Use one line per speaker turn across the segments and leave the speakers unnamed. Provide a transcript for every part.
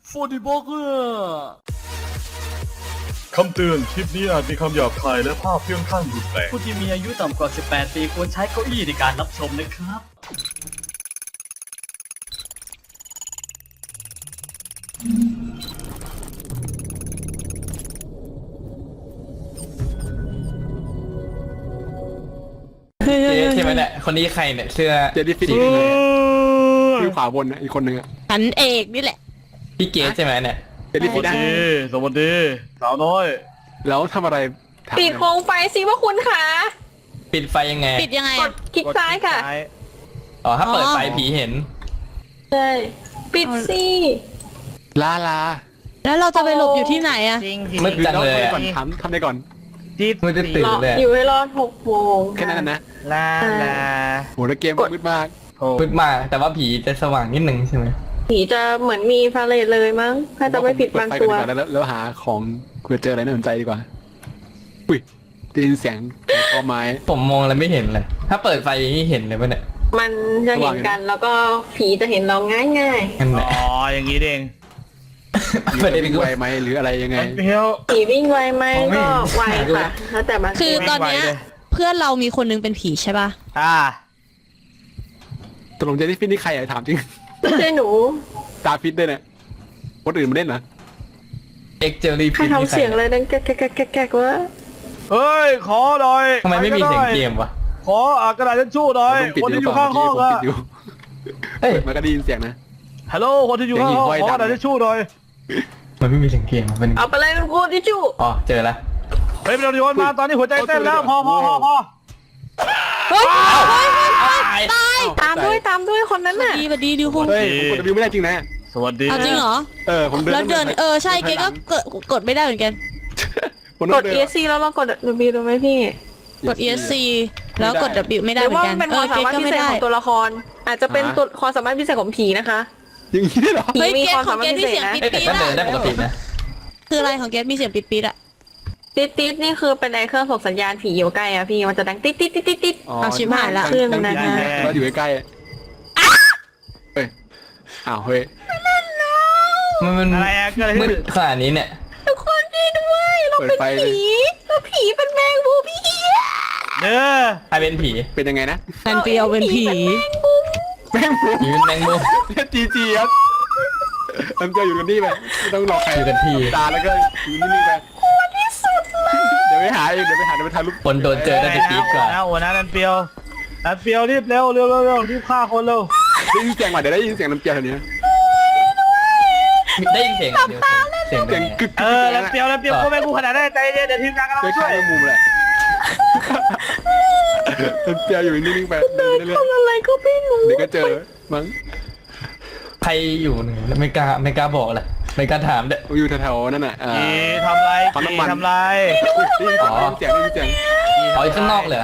ฟูดิบอกเกอร์
คำเตือนคลิปนี้อาจมีคำหยาบคายและภาพเพื่องข้างรุนแรง
ผู้ที่มีอายุต่ำกว่า 18 ปีควรใช้เก้าอี้ในการรับชมนะครับ
เจ๊ใช่ไหมเนี่ยคนนี้ใครเนี่ยเสื้อ
เจดี้ฟิตที่ขวาบนนะอีกคนนึงอะ
ฉันเอกนี่แหละ
พี่เกสใช่ไหมเนี่ย
เจดี้ฟิตนะ
สวัสดีสาวน้อย
แล้วทำอะไรถาม
ปิดโคมไฟสิว่าคุณคะ
ปิดไฟยังไง
ปิดยังไง
ก
อะ
ดคลิกซ้ายค่ะ
อ๋อถ้าเปิดไฟผีเห็น
ใช่ปิดสิ
ลา
แล้วเราจะไปหลบอยู่ที่ไหนอะ
มืดจังเลย
ก่อน
อะ
ทำได้ก่อน
มืดจะตื่น
รอ
เลย
อยู่ให้รอด6 โมง
แค่นั้นนะ
ลา
โหแล้วเกมมืดมาก
มืดมากแต่ว่าผีจะสว่างนิดนึงใช่ไหม
ผีจะเหมือนมีพาเลทเลยมั้งถ้าจะไม่ผิดบางตัว
เปิดไฟก่อนดีกาแล้วหาของเพื่อเจออะไรน่าสนใจดีกว่าอุ้ยได้ยินเสียงคอไม้
ผมมองอะไรไม่เห็นเลย ถ้าเปิดไฟนี่เห็นเลยปะเนี่ย
มันจะเห็นกันแล้วก็ผีจะเห็นเราง่าย
นั่นแห
อ๋
ละ
ออย่างนี้เอง
ประเด็นคือ
ไวไหมหรืออะไรยังไง
เพียว
ๆผีวิ่งไวไหมก็ไวค่ะแล้วแต่บาง
คือตอนเนี้ย
ไม่ไหวเลย
เพื่อนเรามีคนนึงเป็นผีใช่ป่ะ
ตกลงเจดี้ฟิตนี่ใครอะถามจริง
ไม่ใช่หนู
ตาฟิตด้วยเนี่ยคนอื่นมาเล่นเหรอ
เอ็กเจอรี่
ใคร
พิษ
ทำเสียงอะไรดังแก๊กๆวะ
เฮ้ยขอหน่อย
ทำไมไม่มีเสียงเกมวะ
ขอกระดาษทิชชู่หน่อย
ผมปิด
คนที่อยู่
เปล่
ข้างห้อง
ผม
อะ
ปิดอยู่
เฮ้ย
เปิดมาก็ได้ยินเสียงนะ
ฮัลโหลคนที่อยู่ข้างห้อง
เสียงหิ่งห้อย
ขอกระดาษ
ดัง
ทิชชู่หน่อย
มันไม่มีเสียงเกมมัน
เอาไปเลยคุณครูทิชชู่
อ๋อเจอละ
เฮ้ยไม่ต้องโยนมาตอนนี้หัวใจเต้นแล้วพอ
เฮ้ย
ตาย
ตามด้วยคนนั้นน่ะ
ดีดิคุณ
เฮ้ยผมกดวิวไม่ได้จริงนะ
สวัสดี
เอาจริงเหรอ
ผมเดิน
แล้วเดินใช่เก๊ก็กดไม่ได้เหมือนกัน
ผม
ก
ต้อง
ด
เดิน
ESC แล้วเรากด W ดูไหมพี่
กด ESC แล้วกด W ไม่
ห
ได้
รือ
เหมือ
ว่าน
กัน
มันเป็นความสามารถ
ก็
พิ
ไม่
เศษ
ได้
ของตัวละคร อาจจะเป็นตัวความสามารถพิเศษของผีนะคะ
อย่างนี้ได้เหรอ
เฮ้ย
มี
เก
ความ
ของ
สามารถ
เก
พิ
มี
เศษ
เสียง
นะ
ปิด
เอ้ยแต่
ปี
ก็
อะ
เดินได้ปกตินะ
คืออะไรของเกมีเสียงปิดปีอะ
ติดนี่คือเป็นไอเครื่องส่งสัญญาณผีอยู่ใกล้อะพี่มันจะดังติด
เอาชิบหายละ
ขึ้นนะฮะ
เราอยู่ใกล้เฮ้ยอ้าวเฮ้ย
มัน
อะไรอะเกิดอะไร
มื
ขึ้
ด
น
ขนาดนี้เนี่ย
ทุกคนดีด้วยเรา
เปิด
เป็น
ไฟเลย
ผีเราผีเป็นแมงมุมพี่
เด้อ
ใครเป็นผี
เป็นยังไงนะ
แฟนเปียวเป็นผี
แม่งผม
ผีเป็นแมงมุม
จีครับมันจะอยู่กันนี่ไปไม่ต้องรอใคร
อยู่กันที่
ตาแล้วก็อยู่นิ่งๆไปเดี๋ยวไปหาเองเดี๋ยวไปถ่ายรูป
คนโดนเจอได้จะปี๊ดกว่า
หัวหน้านันเปียวรีบเร็วรีบฆ่าคนเร็ว
ได้ยินเสียงมาเดี๋ยวได้ยินเสียงน้ำเจียวแถวนี้
ได้ยินเสียงเดียวเสียง
เสียง
ไง
กึก
นันเปียวกูไม่กูขนาดได้ใจเย็นเดี๋ยวทีมงานกำลัง
เสียง
ช่
ข้า
วย
งมุมแหละน้ำเจียวอยู่นิ่งๆไปเรื่อย
อะไรก็ไม่รู้
ๆเดี๋ยวก็เจอมั้ง
ใครอยู่หนึ่งไม่กล้าบอกเลยไม่กล้าถามเด้อ
อยู่แถวๆนั่นน่ะ
ทำไร
ปั๊มน้ำมัน
ทำไร
ได้ยินเสียง
อ๋ออยู่ข้างนอกเลยเหรอ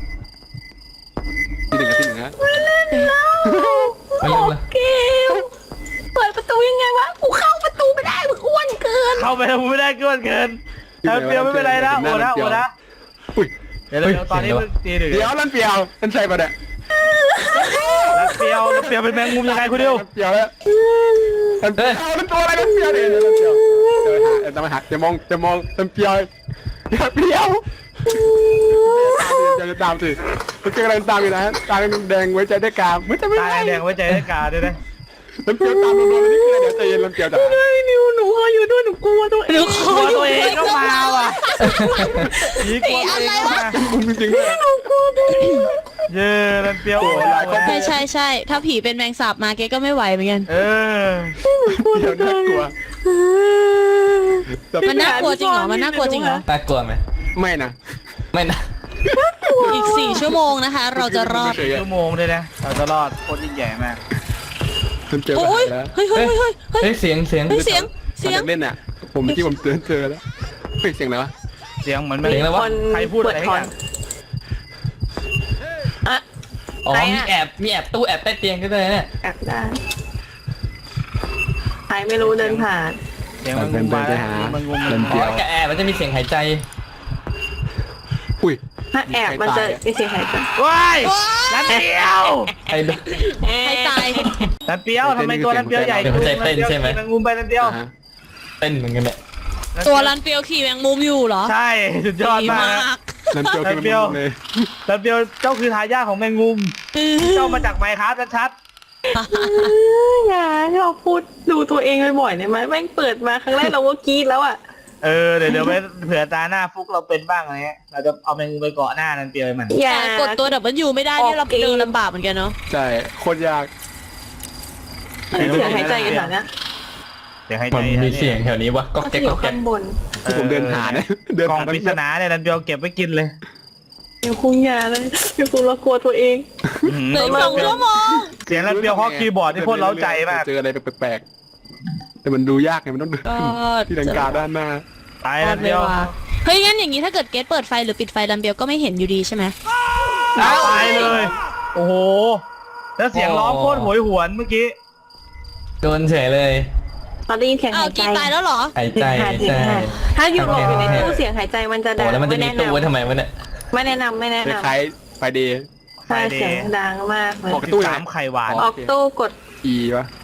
ที่หนึ่งนะ
ไม่รู้เลย
เกลเปิดประตูยังไงวะกูเข้าประตูไม่ได้มึงอ้วนเกิน
เข้าไปแล้วไม่ได้เกินนันเปียวไม่เป็นไรนะโอ้นะ
อุ้ย
เดี๋ยวตอนนี้มันตีหนึ่ง
เดี๋ยวลั่นเปียวนั่นใช่ปะเนี่ย
นันเปียวเป็นแมงมุมยังไงคุณดิว
เปียวแล้วลั่นเปียวนั่นตัวอะไรนั่นเปียวเนี่ยลั่นเปียวจะมาหาจะมองลั่นเปียวเปียวจะตามสิมันเจออะไรตามอยู่นะตาแดงไว้ใจได้กาไม่จะไม่
ตา
ได้
แดงไว้ใจได้กาด้วยนะ
ลั่นเปียวตามโดนนี่คือเดี๋ยวใจเย็นลั่นเปียวจ้ะ
นิวหนูขออยู่ด้วยหนูกลัวตัวเอง
กลัวตัวเองก็มาว่ะผีกลัวตัวเองก็มา
มึงจริงๆเลย
เย้นันเปียว
ใช่ถ้าผีเป็นแมงสาบมาเกก็ไม่ไหวเหมือนกัน
เออ
เดี๋ยวน่ากลัว
มันน่ากลัวจริงเหรอมันน่ากลัวจริงเหรอ
น่ากลัวไหม
ไม่นะ
ไม่นะ
อีก4 ชั่วโมงนะคะ เราจะรอด
ชั่วโมงเลยนะเราจะรอดโคตรยิ่งใหญ่มาก
ลั่นเปียว
โอ้ย
แล้ว
เฮ้ย
เฮ้ยเสียง
เฮ้ยเสียง
เล่นอ่ะผมที่ผมเจอแล้วเฮ้ยเสียงอะไรวะ
เสียงเหมือน
เสียงแล้ววะ
ใครพูดอะไรให้กัน
อ๋อมีแอบตู้แอบใต้เตียงก็ได้เนี่ย
แอบได้ใครไม่รู้เดินผ่าน
เสียงมันงุมมามันงุม
เล่น
อ๋
เปี
อ
ยว
แกแอบมันจะมีเสียงหายใจ
อุ้ย
ถ้าแอบมันจะไม่เสียหายใจ
ว้ายนันเปียว
ใครดู
ใครตาย
นันเปียวทำไมตัวนันเปียวใหญ่จังนันเปียวขี่แมงมุมไปนันเปียว
ฮะ
เต้นเหมือนกันเนี่ย
ตัวรันเปียวขี่แมงมุมอยู่เหรอ
ใช่สุดยอด
ดี
มาก
มา
นะ
ก
นั่นเปียวคือมันเลย
นันเปียวเจ้าคือทายาทของแมงมุมเจ้ามาจากไมค์ครับชัด
อย่าให้เราพูดดูตัวเองบ่อยๆได้ไหมแม่งเปิดมาครั้งแรกเราก็กรี๊ดแล้วอ่ะ
ๆเดี๋ยวไปเผื่อตาหน้าฟุกเราเป็นบ้างอะไรเงี้ยเราจะเอาแมงมุมไปเกาะหน้านันเปียวมัน
อย่า
แต่กดตัวWไม่ได้นี่เราเดินลำบากเหมือนกันเนาะ
ใช่โคตรยาก
เสียงหายใจกันหน่อยนะ
เดี๋ยวให้
มัน
ใจ
มีเสียงแถวนี้วะก็
ก็
แก๊
จะ
ก
อ
ก็
ยู่
แก๊
ข้าก งบน
ที่ผมเดินหาเนี่ยเดิน
กล่อง
หา
ปริศนาเนี่ยนันเปียวเก็บไว้กินเลย
เดี๋ยวคุงยาเลยเดี๋ยวคุงเรากลัวตัวเอง
เหลืออีก2 ชั่วโมง
เสียงนันเปียวเคาะคีย์บอร์ดที่โคตรเล้าใจมาก
เจออะไรแปลกๆแต่มันดูยากไงมันต้อง
ก็
ที่ดังกาด้านหน้า
ตายนันเปียว
เฮ้ยงั้นอย่างนี้ถ้าเกิดเกตเปิดไฟหรือปิดไฟรันเปียวก็ไม่เห็นอยู่ดีใช่ไหม
ตายเลย โอ้โหแล้วเสียงร้องโคตรโหยหวนเมื่อกี้
โดนเฉยเลย
ตอนได้ยินเสียง
อ้า
หา
วย
ใจ
กีตายแล้วเหรอ
หายใจ
หายใจ
ใช่
ถ้าอยู่หลบอยู่ในตู้เสียงหายใจมันจะ
โอ้
ดัง
แล้วมันจะมีตู้ไว้ทำไมวะเนี่ย
ไม่แนะนำไม่แนะ
คล้
นำ
ายๆไฟเดย์
ใช่เสียงดังมากเลย
ออกตู้ยังไง
13ไข่หวาน
ออกตู้กด
อีวะ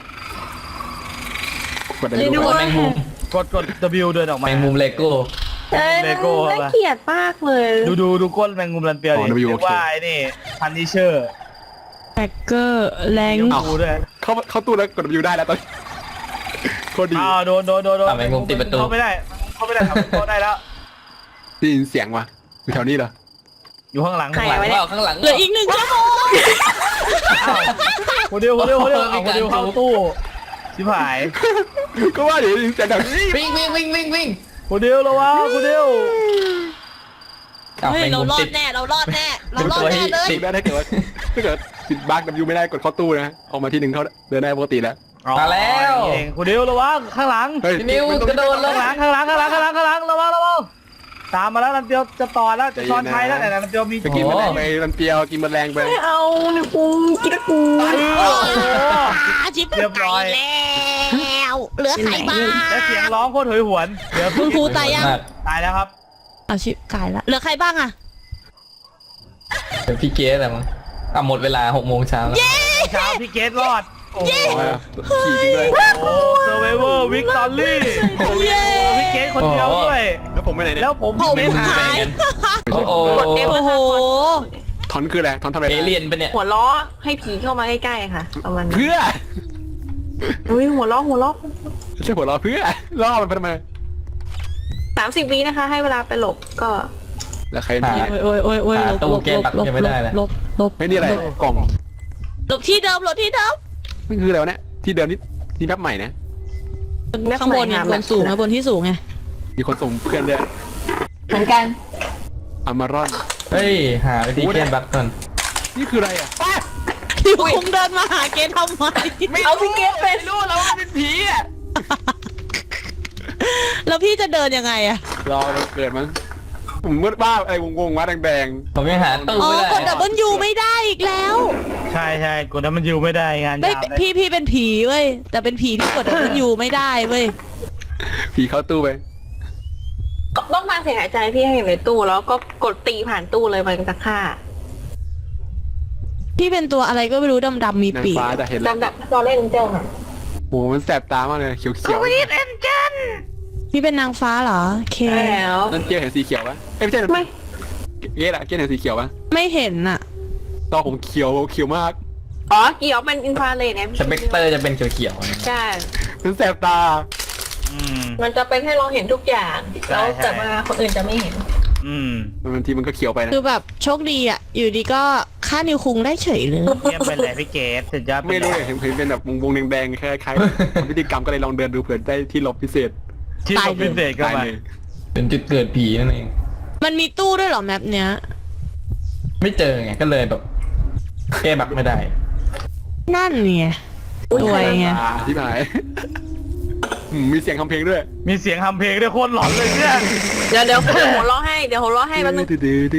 กดอะไร
ไม่
ดู
รู้
กดแมงมุม
กด W เดินออก
แม
มา
งมุมเลโก้
เอ้ย
เลโก้
น่าเกลียดมากเลย
ดูก้นแมงมุมรันเปียวดิเรียกว่าไอ้นี่พันนิเชอร์
แบกเกอร์แรง
ยงดูด้วย
เข้าตู้แล้วกดวิวได้แล้วตอนโคตรดี
อ้าวโดน
แมงมุมติดประตู
เข้าไม่ได้ทำเข้าได้แล้ว
ได้ยินเสียงวะอยู่แถวนี้เหรอ
อยู่ข้างหลัง
ใคร
ข้างหลัง
วะเนี่ย
ว่าข้างหลัง
เหลืออีก1 ชั่วโมง
คนเดียวเข้าตู้ชิบหาย
ก็ว่าเดี๋ยวได้ยินเสียงแถวนี้
วิ่ง
คนเดียวระวังคนเดียว
อ้าว
เฮ้ย
แมง
เรา
มุม
รอ
ติ
ด
ด
แน่เรารอดแน่เรา
เป็น
รอด
ตัว
แน่
ที่
เลย
ติด
ได้ถ้าเกิดปิดบั๊กวิวไม่ได้กดเข้าตู้นะออกมาที่หนึ่งเขาเดินได้ปกติแล้ว
มาแล้ว
เองคนเดียวระวังข้างหลัง
เฮ้ย
พี่นิวกระโดดลง
ข้างหลังระวังตามมาแล้วรันเปียวจะต่อแล้วจะช้อนชัยแล้วแต่รันเปียวมี
ไปกินแมลงไปมันเปรียวกินแมลงไป
ไม่เอาเนี่ยกูกินกู
ชิปเรียบร้อยแล้วเหลือใครบ้าง
และเสียงร้องโคตรโหยหวนเดี๋ยว
คุณครูตายยัง
มาก
ตายแล้วครับ
เอาชิปกายแล้วเหลือใครบ้างอะ
เป็นพี่เกสอะไรมั้งอ่ะหมดเวลา6 โมงเช้าแล้ว
เช้าพี่เกตรอดโอ้โห
ขี่จริงเลย
เซอร์ไวเวอร์วิกตอรี่
เย้
พี่เกตคนเดียวด้วย
แล้วผมไปไหนเนี่ย
แล้วผม
ผม
ไม่
หา
หาย
ย
โอ้โห
โอ้โห
ทอนคืออะไรทอนทำอะไร
เอเลียนปะเนี่ย
หัวล้อให้ผีเข้ามาใกล้ๆค่ะประมาณนั้น
เพื่อ
อุ้ยหัวล้อ
ไม่ใช่หัวเราะเพื่อล่อมันไปทำไม
30 วินะคะ ให้เวลาไปหลบก็
แล้วใคร
หา
โอ้ยลบ
ไม่นี่อะไรกล่อง
หลบที่เดิม
มันคืออะไรวะเนี่ยที่เดิมนี่แป๊บใหม่นะ
ข้างบนไงบนสูงนะบนที่สูงไง
มีคนส่งเพื่อนด้วย
เหมือนกัน
อามารอน
เฮ้ยหาวิธีแก้บั๊กก่อน
นี่คืออะไรอ่ะ
อยู่คงเดินมาหาเกทำไม
เอาพี่เกตเป็น
รู้แล้วมันเป็นผีอ่ะ
แล้วพี่จะเดินยังไงอะ
รอมันเกิดมั้งผมมืดบ้าอะไรวงๆวะแดง
ผมยังหาตู้
อ๋อ
ไม่ได้
กดWไม่ได้อีกแล้ว
ใช่กดนั้นมันอยู่ไม่ได้งาน
ไม่
ยาวเลย
พี่เป็นผีเว้ยแต่เป็นผีที่กดWไม่ได้เว้ย
ๆผีเข้าตู้ไป
ต้องมาเสียงหายใจพี่ให้อยู่ในตู้แล้วก็กดตีผ่านตู้เลยมันจะฆ่า
พี่เป็นตัวอะไรก็ไม่รู้ดำๆมี
นาง
ปีก
ฟ้าจะเห็นแล้ว
ดำๆตอนเล่นเจ้าค่ะ
โหมันแสบตามากเลยเขียว
พี่เป็นนางฟ้าเหรอโอเค
ใช่แล้ว
ๆนั่นเกียร์เห็นสีเขียวปะไม่ใช่
ไม่
เกียร์อะเกียร์เห็นสีเขียวปะ
ไม่เห็นอะ
ตอนผมเขียวมาก
อ๋อเกี่ยวเป็นอินฟราเรดไง
สเปกเตอร์จะเป็นเขียวๆ
ใช่
มันแสบตา
มันจะเป็นให้เราเห็นทุกอย่างแล้วแต่ว่าคนอื่นจะไม่เห็น
บางทีมันก็เขียวไปนะ
คือแบบโชคดีอะอยู่ดีก็ฆ่านิวคุงได้เฉยเลย
เยี่ยมไปเลยพี่เกตสุดยอด
ไม่รู้เลยเห็นเป็นแบบวงแดงๆคล้ายๆพิธีกรรมก็เลยลองเดินดูเผื่อได้ที่หลบพิเศษ
ที่ผมพิเศษก็
ตาย
มา
เลย
เป็นจุดเกิดผีนั่นเอง
มันมีตู้ด้วยเหรอแมปเนี้ย
ไม่เจอไงก็เลยแบบแก้บั๊กไม่ได้
นั่นไงตัวไง
ที่หายมีเสียงทำเพลงด้วย
มีเสียงทำเพลงด้วยโคตรหลอนเลยเนี่ย
เดี๋ยวหัวเราะให้เดี๋ยวหัวเราะให้แป๊บนึง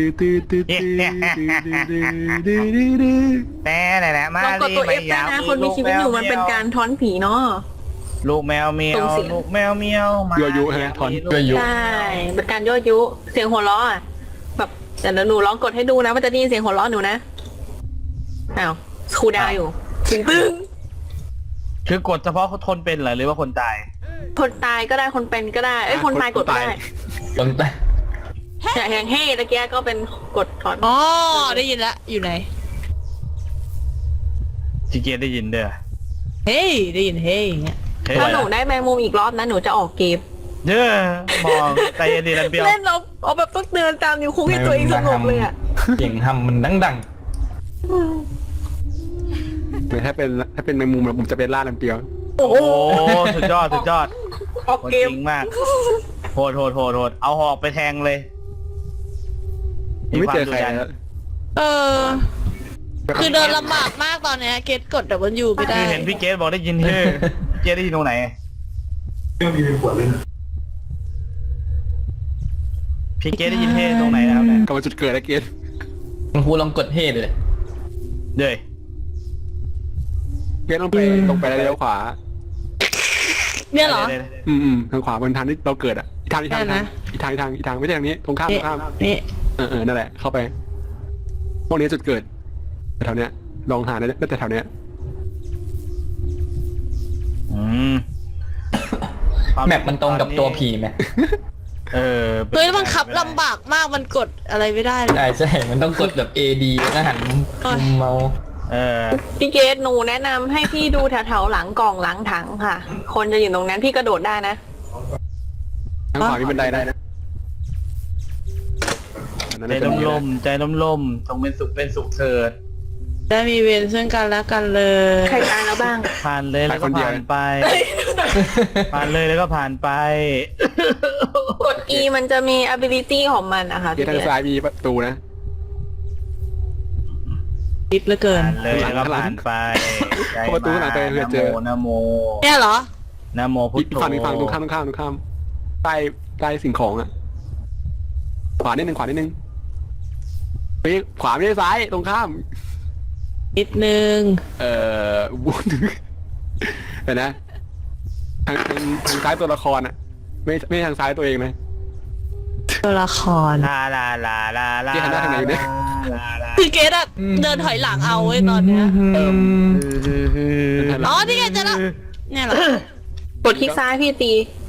แต่มา
ลองกดตัว F ได้นะคนมีชีวิตอยู่มันเป็นการท้อนผีเนาะ
ลูกแมวเมียวลูกแมวเมียวมา
ยั่วยุฮะถอน
ยั่วยุ
ใช่เป็นการยั่วยุเสียงหัวเราะอ่ะแบบเดี๋ยวหนูลองกดให้ดูนะว่าจะได้ยินเสียงหัวเราะหนูนะอ้าวครูดาวอยู่ตึ้ง
คือกดเฉพาะคนเป็นเหรอหรือว่าคนตาย
คนตายก็ได้คนเป็นก็ได้คนตายกดไม่ได้
ตรงแต่
อย่างเฮ้ตะเกียก็เป็นกดก่อน
อ๋อได้ยินละอยู่ไหน
จีเกียร์ได้ยินเด้อ
เฮ้ยได้ยินเฮ้ยอย่างเงี้ย
เฮ้ย
ถ้าหนูได้แมงมุมอีกรอบนะหนูจะออกเกม
เด้อมองใจเย็นดีลันเปียว
เล่นเอาแบบต้องเดินตามนิ้วคุ้งให้ตัวเองสงบเลยอ่ะ
เสียงทำมันดัง
ถ้าเป็นแมงมุมผมจะเป็นล่าลำเปียว
โอ้โห
โอ้สุดยอดสุดยอด
ออก
โหด
เก
จ
ม
ริงมากโหดเอาหอกไปแทงเลย
ไม่เจอใคร
วามดุดัน
แล้ว
เออ คือเดินลำบากมากตอนเนี้ยเกตกดWไม่ได้
คือเห็นพี่เกสบอกได้ยินเฮ้ยพี่เกสได้ยินตรงไหนพี่เกสได้ยินเฮ้ตรงไหนนะครับเนี่ย
กลับมาจุดเกิดแล้วเกณฑ์
ๆคุณครูลองกดเฮเลย
เด้อ
เกณฑ์ต้องไปตรงไปแล้วเลี้ยวขวา
เนี่ยเหรอ
ทางขวาบนทางที่เราเกิดอ่ะอีกทางไม่ใช่ทางไม่ใช่ทางนี้ตรงข้าม
นี่
นั่นแหละเข้าไปพวกนี้จุดเกิดแถวเนี้ยลองหาได้แต่แถวเนี้ย
แมปมันตรงกับตัวผีไหม
เออ
เฮ้ยมันขับลำบากมากมันกดอะไรไม่ได้เลย
ใช่มันต้องกดแบบ AD แล้วก็หันมุมเมาส์
เออ
พี่เกดหนูแนะนำให้พี่ดูแถวๆหลังกล่องหลังถังค่ะ คนจะอยู่ตรงนั้นพี่กระโดดได้นะ
ทางขวามีบันไดได้นะ
ใจล่มๆใจล่มๆจงเป็นสุขเถิด
ได้มีเวรซึ่งกันและกันเลย
ใครตายแล้วบ้าง
ผ่านเลยแล้วก็ผ่านไป ผ่านเลยแล้วก็ผ่านไป
กด E มันจะมี ability ของมันนะคะ
ที่
พี่
ทาง
เกด
ซ้ายมีประตูนะ
คิดเหลือเกิน
ผ่านเลยแล้วก็ผ่านไปใจ
เข้าประตูหลังไปเพื่อเจอ
นะโม
เนี่ยเหรอ
นะโมพุท
อีก
โธ
ฝั่งตรงข้ามใต้สิ่งของอ่ะขวานิดนึงเฮ้ยขวาไม่ใช่ซ้ายตรงข้าม
นิดนึง
วุ้นเห็นนะทางซ้ายตัวละครอ่ะไม่ทางซ้ายตัวเองนะ
ตัวละคร
ลาลาลาลาลา
ที่หันหน้าทางไหนอยู่เนี่ย
ลาลา
คือเกดอะเดินถอยหลังเอาไว้ยตอนเนี้ยอ๋อนี่ไงเจอแล้วเนี่ยเหรอก
ดคลิกซ้ายพี่ตี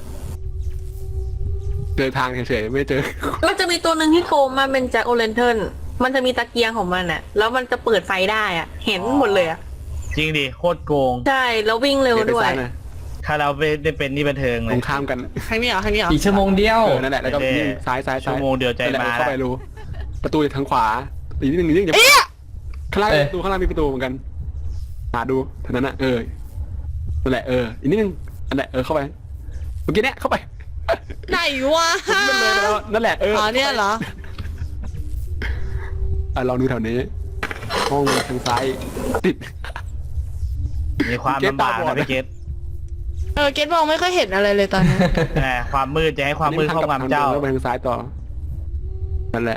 เดินทางเฉยๆไม่เจอ
มันจะมีตัวหนึ่งที่โกงมาเป็นแจ็คโอเลนเทิร์นมันจะมีตะเกียงของมันอ่ะ แล้วมันจะเปิดไฟได้อ่ะ เห็นหมดเลยอ่ะ
จริงดิโคตรโกง
ใช่ แล้ววิ่งเร็วด้วย
ถ้าเราไปได้เป็นนี่บันเทิงเล
ตร
ย
งข้ามกัน
ครั้งนี้เหรอครั้งนี้เหรอ
อีกชั่วโมงเดียว
นั่นแหละแล้วก็วิ่งซ้าย
ชั่วโมงเดียวใจมา
เข้าไปรู้ประตูทางขวาอีกนิดนึงอย่าข้างล่างประตูข้างล่างมีประตูเหมือนกันหาดูเท่านั้นนะนั่นแหละอีกนิดนึงนั่นแหละเข้าไปเมื่อกี้เนี้ยเข้าไป
ไหนวะ
มันเลยแล้วนั่นแหละ
อ๋อเนี่ยเหรอ
ลองดูแถวนี้ห้องทางซ้ายติด
มีความลำบากนะพี่เกต
เกดมองไม่ค่อยเห็นอะไรเลยตอนนี้
แหมความมืดจะให้ความมืดเข้าความเจ้า
แล้วไปทางซ้ายต่อนั่นแหละ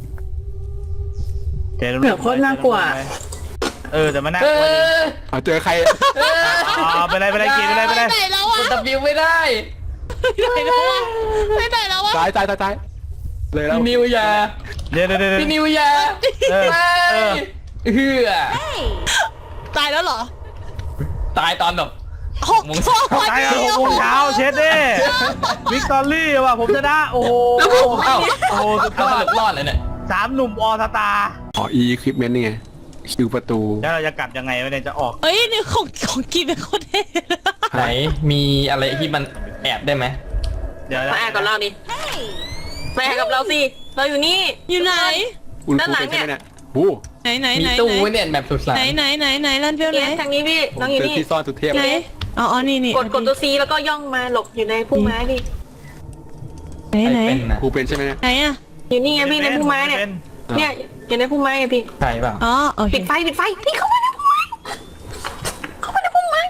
เจ๊
เหนือโคตรน่ากลัว
แต่มันน่ากลัวจริง
เอาเจอใคร
ไปเลยเกตไปเลย
ไปไหนแล้ว
ก
วะ
ด W ไม่ได้
ไปไหนแล้ววะไปไหนแล้ววะ
ซ้ายเลยแล้ว
พี่นิวยา
เดี๋ยว
พี่นิวยา
เออ
ไม่เฮือ
ตายแล้วเหรอ
ตายตอนแบบ
6 โมง
ตาย6 โมงเช้าเช็ดดิวิกตอรี่ว่ะผมชนะโอ้โห
เอ้า
โอ้โหสุดย
เอา
อ
ส
ด
รุปรอดเลยเนี่ย
3 หนุ่มอสตา
คลิปเมนต์นี่ไงคิวประตู
แล้วเราจะกลับยังไงวะเนี่ยจะออก
เฮ้ยนี่ของกินเป็นโคตรเท่
ไหนมีอะไรที่มันแอบได้ไหม
เดี๋ยว
มาแอบกับเราดิมาแอบกับเราสิ เราอยู่นี่
อยู่ไหน
อุ่น
ด้านหลัง
เป็นใช่ไหม
เนี่ย
โอ้
ไหน
มีตู้ไว้เนี่ยแบบสุดสาน
ไหนลั่นเพี้ยวไหน
ทางนี้พี่ น้องอยู่
เจอ
นี่
ที่ซ่อนสุดเทพ
ไหนอ๋อนี่
กดตัวซีแล้วก็ย่องมาหลบอยู่ในพุ่มไม้พี่
ไหน
เป็นนะ
ครูเป็นใช่ไหมเนี่ย
ไหนอะ
อยู่นี่ไงพี่ในพุ่มไม้เนี่ย เนี่ยอยู่ในพุ่มไม้ไงพี่
ใช่เปล่า
อ๋อโอเค
ปิดไฟพี่เข้ามาในพุ่มไม้เข้ามาในพุ่มไม้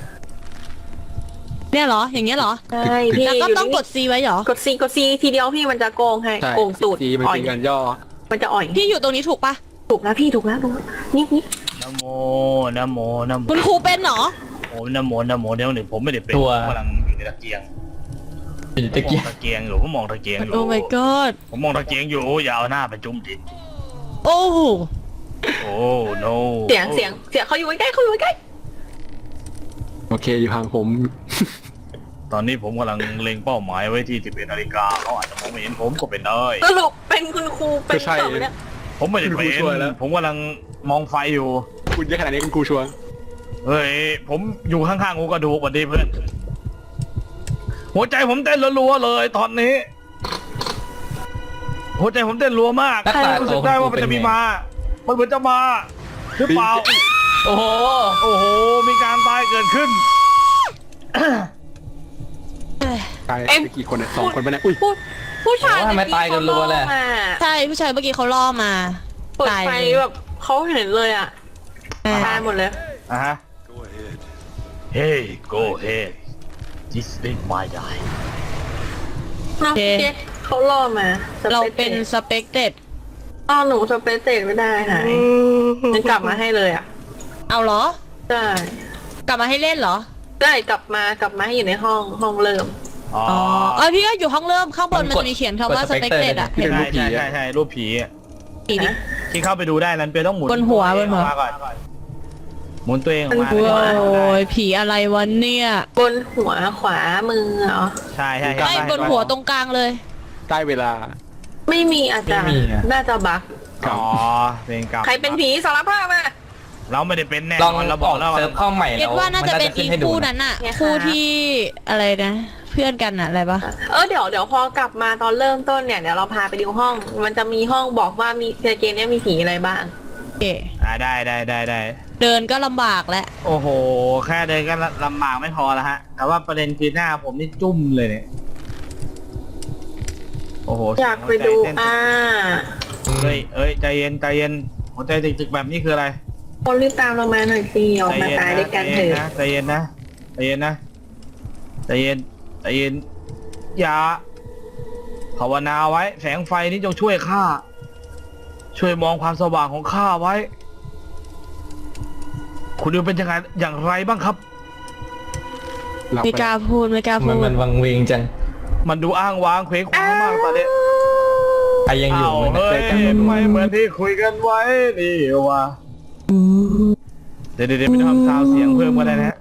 เนี่ยเหรออย่างเงี้ยเหรอ
ใช่พี่
แล้วก็ต้องกด C ไว้เหรอ
กดซีทีเดียวพี่มันจะโกงให้
ใช่
โกงตูด
ทีมัน
อ่อย
เป็นการย่อ
มันจะอ่อย
พี่อยู่ตรงนี้ถูกปะ
ถูกแล้วพี่ถูกแล้วนี่
นะโมนะโม
คุณครูเป็นเหรอ
โอ้นะโมเดี๋ยวหนึ่งผมไม่ได้เป็นผมกำลังอยู่ในตะเกียง
เป็นตะเกียบ
ตะเกียงอยู่ผมมองตะเกียงอยู่
โอ้ my god
ผมมองตะเกียงอยู่อย่าเอาหน้าไปจุ่มดิน
โอ้โห
โอ้ no
เสียงเขาอยู่ใกล้เขาอยู่ใกล้
โอเคอยู่ห่างผม
ตอนนี้ผมกำลังเล็งเป้าหมายไว้ที่11 นาฬิกาเขาอาจจะมองไม่เห็นผมก็เป็นได้
สรุปเป็นคุณครูเป็น
ไม่ใช่
ต่อไปเนี่ย
ผมไม่ได้เป็น
คุณครูช่วยแล้ว
ผมกำลังมองไฟอยู่
คุณเยอะขนาดนี้คุณครูชัวร์
เฮ้ย ผมอยู่ข้างๆกูกระดูกสวัสดีเพื่อน หัวใจผมเต้นรัวๆเลยตอนนี้ หัวใจผมเต้นรัวมาก
หน้าตา
รู้สึกได้ว่ามันจะมีมา มันเหมือนจะมาหรือเปล่า
โอ้โห
โอ้โห มีการตายเกิดขึ้น
ตายไปกี่คนเนี่ย2 คนไปเนี่ยอุ้ย
ผู้ชาย
โอ้ทำไมตายกันรัวเลย
มา
ใช่ผู้ชายเมื่อกี้เขาล่อมา
เปิด
ตาย
ไฟ
เลย
แบบเขาเห็นเลยอ่ะ
อ่า
ตายหมดเลย
อ่ะฮะ Hey go ahead This is my guy
เนาะเจ๊เขาล่อมาส
เรา
ปซ
เป็นสเปกเต็ด
อ้าวหนูสเปซเตกไม่ได้หายมันกลับมาให้เลยอ่ะ
เอาเหรอ
ใช่
กลับมาให้เล่นเหรอ
ได้กลับมาให้อยู่ในห้องเริ่ม
อ๋อ
อ๋อพี่ก็อยู่ห้องเริ่มข้างบนมันจะมีเขียนคำว่าสเปกเต็ดอะ
ที่
เห็น
เป็น
ไหม
รูปผี
ใช่
อะ
ใช่รูปผีอะ
ผีดิ
ที่เข้าไปดูได้นั้นเป็นต้องหมุน
บนหัว
ตัวเอง
บนหัว
ออกมาก่อนหมุนตัวเองออกมา
บนหัว
โอ้ยผีอะไรวะเนี่ย
บนหัวขวามือเหรอ
ใช่ใช่
ไอ้บนหัวตรงกลางเลย
ได้เวลา
ไม่มีอาจารย์น่าจะบัก
อ๋อเป็นกรรม
ใครเป็นผีสารภาพมา
เราไม่ได้เป็นแน่
ลอง
เราบอกแล้ว
เซิร์ฟเข้าใหม่
เก็
แล้
ต
ว
ว่าน่าจะเป็น
ขึ้
อี
ให้ดู
คู่
นะ
นั้นอะ
เนี่ยค่ะ
คู่ที่อะไรนะ เพื่อนกันอะอะไรปะ
เดี๋ยวพอกลับมาตอนเริ่มต้นเนี่ยเดี๋ยวเราพาไปดูห้อง มันจะมีห้องบอกว่ามีเกมเนี้ยมีผีอะไรบ้าง
โอเค
ได้
เดินก็ลำบากแล้ว
โอ้โห แค่เดินก็ลำบากไม่พอแล้วฮะ แต่ว่าประเด็นคือหน้าผมนี่จุ่มเลยเนี่ย โอ้โห
อยากไปดู
หัวใจเต้นเฮ้ยใจเย็นหัวใจตึกๆแบบนี้คืออะไร
คนรีบตามเรามาหน่อยสิออกมาตายด้วยกันเถอะ
ใจเย็นนะอย่าภาวนาไว้ แสงไฟนี้จงช่วยข้า ช่วยมองความสว่างของข้าไว้ คุณดิวเป็นยังไงอย่างไรบ้างครับ
หลับ
ไม่
ไป
กล้าพูดไม่กล้าพู
มัน
ด
วังเวงจัง
มันดูอ้างว้างเคว้งคว้างมากตอนนี้
ใครยังอยู่
อ้าว
ไหม
เฮ้ยไม่เหมือนที่คุยกันไว้นี่วะเดี๋ยวไม่ต้องทำซาวเสียงเพิ่มก็ได้นะฮะ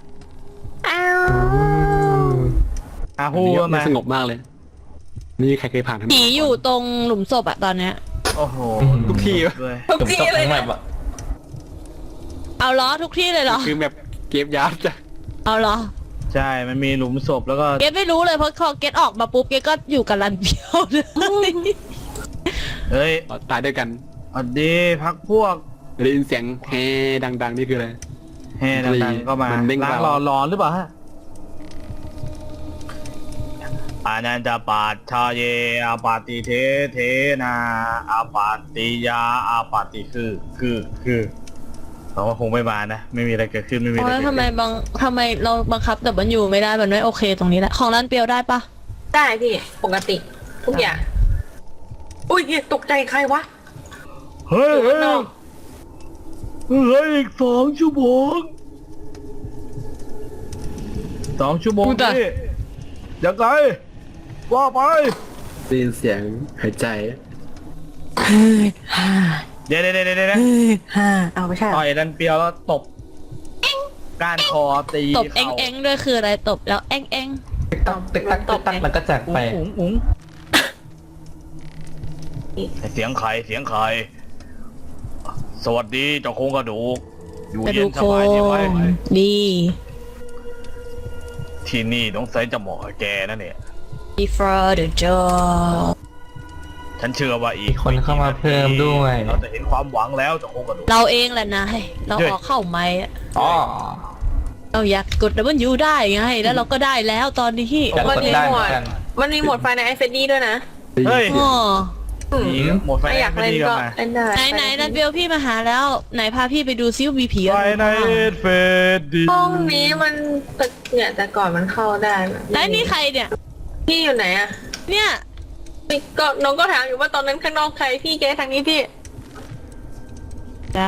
ฮู้
นี่
ก็มา
สงบมากเลย นี่ใครเคยผ่านทาง
ผีอยู่ตรงหลุมศพอะตอนเนี้ย
โอ้โห
ทุกที่
ด้วย
ทุก
ผม
ที
ตก
เลย
ทั้งแบ
นะ
บอะ
เอาเหรอทุกที่เลยเหรอ
คือแบบเกมยับจ้ะ
เอาเหรอ
ใช่มันมีหลุมศพแล้วก็
เกตไม่รู้เลยเพราะพอเกตออกมาปุ๊บเกตก็อยู่กับรันเปียวเลย
เฮ้ย
ตายด้วยกัน
สวัสดีพักพวก
ได้ยินเสียงแฮดังๆนี่คืออะไร
แห่ดังๆก็มาน
เด้ง
ล้าง
เบา
ร้อนหรือเปล่าฮะอานันจะปาชาเยอาปาติเทนาอาปาติยาอาปาติคือเราก็คงไม่มานะ ไม่มีอะไรเกิดขึ้นไม่มีอะไร
โอ้
เกิ
ย
ด
ทำไม
ขึ้น
ทำไมเราบังคับแต่มันอยู่ไม่ได้มันไม่โอเคตรงนี้แหละของรันเปียวได้ปะ
ได้พี่ปกติ ทุกอย่าง อุ้ยตกใจใครวะ
เฮ้ย
อยู่ข้างนอก
เหลืออีก2 ชั่วโมง2 ชั่วโมงนี่ยังไงว่าไป
ได้ยินเสียงหายใจ
เดี๋ยว
เอาไม่ใช่เหร
ต่
อ
อยดันเปียวแล้วตบก้านคอตี
ตบเอ็งเอ็งด้วยคืออะไรตบแล้วเอ็งเอ็ง
ติ๊กตักติ๊กตักแล้วก็จากไป
อุ๋งเสียงใครสวัสดีเจ้าโครงกระดูกอยู่
กระ
เย็
ดู
น
ก
ส
โค
บายดีไหม
งดี
ที่นี่ต้องใส่จะเหมาะกับแกนะเนี่ย
before the job
ฉันเชื่อว่าอีก
คนเข้ามาเพิ่มด้วย
เราจะเห็นความหวังแล้วเจ้าโครงกระดูก
เราเองแหละนายเราออกเข้าไม้อะ
อ๋อ
เราอยากกดWได้ไงแล้วเราก็ได้แล้วตอนนี้
อยากกดได้เหมือนกัน
มันมีโหมดไฟในไอเฟดดี้ด้วยนะ
เฮ้ย
อ๋อ
นี่หมดไฟ
ไม่อยาก
ไม่
เล่น
ดี
ก็
มา
เล่นได้
ไหนรันเปียวพี่มาหาแล้วไหนพาพี่ไปดูซิวมีผี
ไฟ
อะไร
ใน
บ้าง
เฟดดี
ห้องนี้มันเนี่ยแต่ก่อนมันเข้าได้นะ
แล้วนี่ใครเนี่ย
พี่อยู่ไหนอะ
เนี่ย
พี่ก็น้องก็ถามอยู่ว่าตอนนั้นข้างนอกใครพี่เกทางนี้พี่
จ้ะ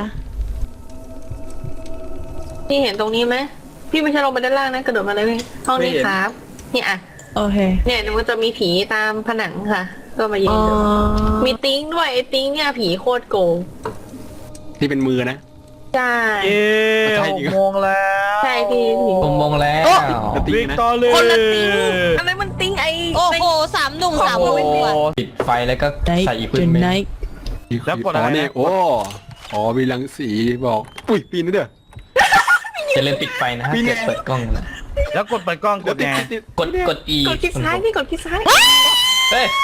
พี่เห็นตรงนี้ไหมพี่ไม่ใช่ลงไปด้านล่างนะกระโดดมาเลยพี่ห้องนี้
ไม่เห็น
ครับเนี่ยอะ
โอเค
เนี่ยมันจะมีผีตามผนังค่ะ ก็มายื
อ๋
น
อ
ดูมีติ้งด้วยไอ้ติ้งเนี่ยผีโคตรโกง
ที่เป็นมือนะ
ใช่
เย้6 โมงแล้ว
ใช่พี่
มงแล้ว
ตี
วิก
นะ
ตอรี่
คนละติ้งอะไรมันติ้งไอ้
โอ้โห3 หนุ่ม 3
โอ้
มุม
โห
อะ
ปิดไฟแล้วก็ใส่อีกพื้นเมน
แล้วกดอะไรนะ
เนี่ยโอ้อ๋อมีรังสีบอกอุ้ยปีนนี่เด้อ
จะเล่นปิดไฟนะฮะ
ปีนไง
เปิดกล้องนะ
แล้วกดเปิดกล้องกดไง
กด E
กดคลิกซ้ายพี่กดคลิกซ้าย
เฮ้ย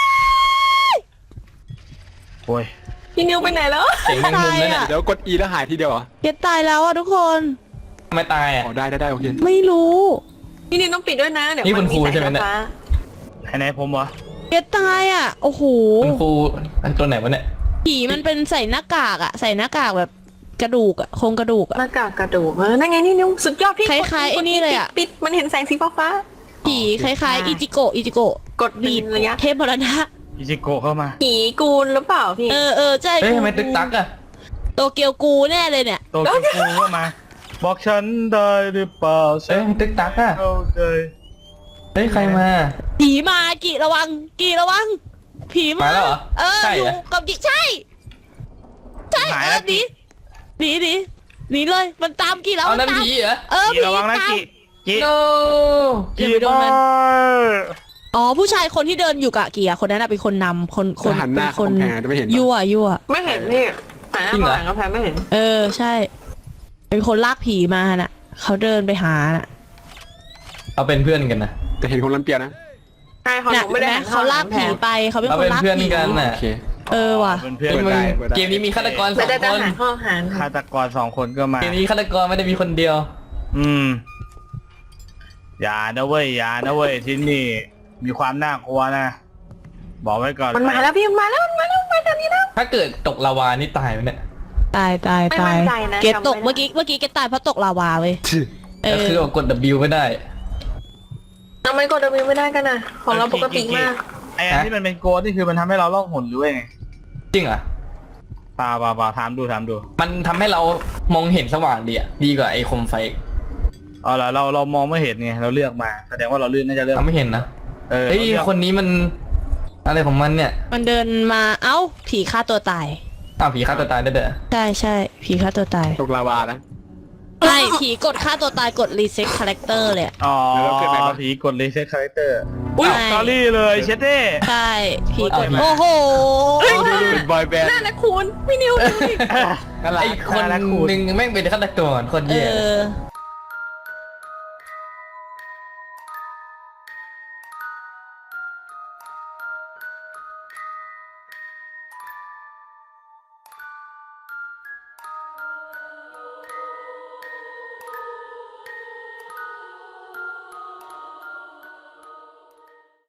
โอ้ย
พี่นิวไปไหนแล้ว
เสียงแมงมุมแล้วเนี่ย
เดี๋ยวกด E แล้วหายทีเดียวเหรอ
เก็ตตายแล้วอ่ะทุกคน
ทำไมตายอ่ะ
อ๋อได้โอเค
ไม่รู้
พี่นิวต้องปิดด้วยนะเดี๋ยว
นี่
มั
คุณครูใช่ไหมเนี่ย
ฟ้า
ไหนผมวะ
เก็ตตายอ่ะโอ้โห
คุณครูอันตัวไหนวะเนี่ย
ผีมันเป็นใส่หน้ากากอ่ะใส่หน้ากากแบบกระดูกอ่ะโครงกระดูกอ่ะ
หน้ากากกระดูกนั่นไงนี่นิวสุดยอดพี่
คล้ายๆไอ้นี่เลยอะ
ปิดมันเห็นแสงสีฟ้า
ผีคล้ายๆอิจิโกะ
กด
บี
บี
ด
ระยะ
เทพมรณะ
อิจิโกะเข้ามา
ผีกูนหรือเปล่าพี่
เออใช่
เฮ้ยทำไมตึกตักอ่ะ
โตเกียวกูแน่เลยเนี่ย
โตเกียวกูเข้ามา บอกฉันได้หรือเปล่าฉั
เอ้ย
น
ตึกตักอ่ะ
เข้าใจ
เฮ้ยใครมา
ผีมากี่ระวังผีมา
มาแล้วเหรอ ใช่
อยู่
เหรอ
กับกี่ใช่หนีเลยมันตามกี่แล้ว
เอานั่น
ตาม
ผีเหรอ
กี่ระวังนะ
ตาม
กี่
no
อย่าไปโดนมัน อ๋อผู้ชายคนที่เดินอยู่กับกี่อะคนนั้นอะเป็นคนนำคน
หันหน้า
เป็นคน
เข้ากำแพงจะไม่เห็น
ยั่ว
ไม่เห็นพี่หาหน้ามาหลังกระแพงไม่เห็น
ใช่ เป็นคนลากผีมาน่ะเขาเดินไปหาน่ะ
เอาเป็นเพื่อนกันนะ
แต่เห็นคนรันเปียนะ
ใช่เขาห
น่ะ
นูไม่ได้
เห็นไหมเขาลากผีไปเขาเป็น
เรา
คน
เป็น
ลาก
เพื่อน
ผี
กันน่ะ
โอเค
ว่ะ
เป็นเพื่อน
เฮ้ยมึง
เปิดได้
เกมนี้มีฆาตกรส
ไม่
อง
ได้
ค
จะ
น
หาข้อหาร
ฆาตกร2 คนก็มา
เกมนี้ฆาตกรไม่ได้มีคนเดียว
อย่านะเว้ยที่นี่มีความน่ากลัวนะ บอกไว้ก่อน
มันมาแล้วพี่มันมาแล้วมาทางนี้แล้ว
ถ้าเกิดตกลาวานี่ตายไหมเนี่ย
ตาย
ไม่มั่นใจนะ
เกตตก
จำไม่ได้
เมื่อกี้เกตตายเพราะตกลาวาเว้ย
ก็คือว่ากด W ไม่ได้
ทำไมกดดับไม่ได้กันนะของเราปกติมาก
ไอ้อันที่มันเป็นโกดนี่คือมันทำให้เราล่องหนหรือว่าไง
จริงเหรอ
เปล่าถามดู
มันทำให้เรามองเห็นสว่างดีอ่ะ ดีกว่าไอ้โคมไฟ
อ๋อเหรอเรามองไม่เห็นไงเราเลือกมาแสดงว่าเราเลือกน่าจะเลือก
ทำไม่เห็นนะ
เออ
เฮ้ย
เราเลือก
คนนี้มันอะไรของมันเนี่ย
มันเดินมาเอ้าผีฆ่าตัวตาย
อ้าวผีฆ่าตัวตายได้เด้อ
ใช่ผีฆ่าตัวตาย
ตกลาวานะ
ใช่ผีกดฆ่าตัวตายกดรีเซ็ตคาแรคเตอร์เลยอะ
อ๋อ
แล้วเกิดอะไรวะ
ผีกดรีเซ็ตคาแรคเตอร์
อุ้ย
สตอรี่เลยเชดเด้
ใช่ผีกด
เอาอีก
โอ้โห
เป็นบอยแบนด์
น่านะคุณพี่นิวดูดิ
ไอ้คนหนึ่งแม่งเป็นฆาตกรคน
เอ
เย่
อ